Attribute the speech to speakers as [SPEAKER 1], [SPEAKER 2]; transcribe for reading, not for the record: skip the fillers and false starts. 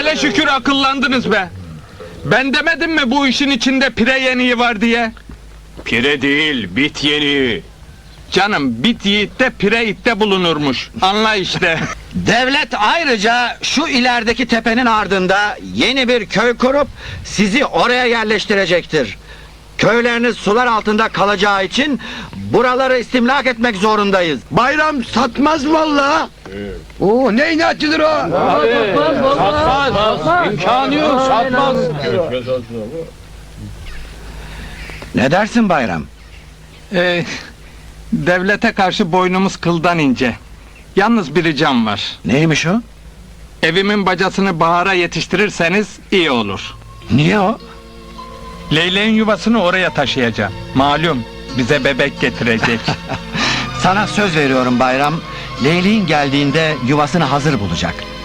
[SPEAKER 1] Hele şükür akıllandınız be. Ben demedim mi bu işin içinde pire yeniği var diye?
[SPEAKER 2] Pire değil, bit yeniği.
[SPEAKER 1] Canım, bit yiğitte pire itte bulunurmuş. Anla işte.
[SPEAKER 3] Devlet ayrıca şu ilerideki tepenin ardında yeni bir köy kurup sizi oraya yerleştirecektir. Köyleriniz sular altında kalacağı için buraları istimlak etmek zorundayız.
[SPEAKER 4] Bayram satmaz vallahi. Oo, ne inatçıdır o?
[SPEAKER 1] Satmaz. İmkanı yok, satmaz.
[SPEAKER 3] Ne dersin Bayram?
[SPEAKER 1] Devlete karşı boynumuz kıldan ince. Yalnız bir ricam var.
[SPEAKER 3] Neymiş o?
[SPEAKER 1] Evimin bacasını bahara yetiştirirseniz iyi olur.
[SPEAKER 3] Niye o?
[SPEAKER 1] Leyleğin yuvasını oraya taşıyacağım. Malum bize bebek getirecek.
[SPEAKER 3] Sana söz veriyorum Bayram. Leyliğin geldiğinde yuvasını hazır bulacak.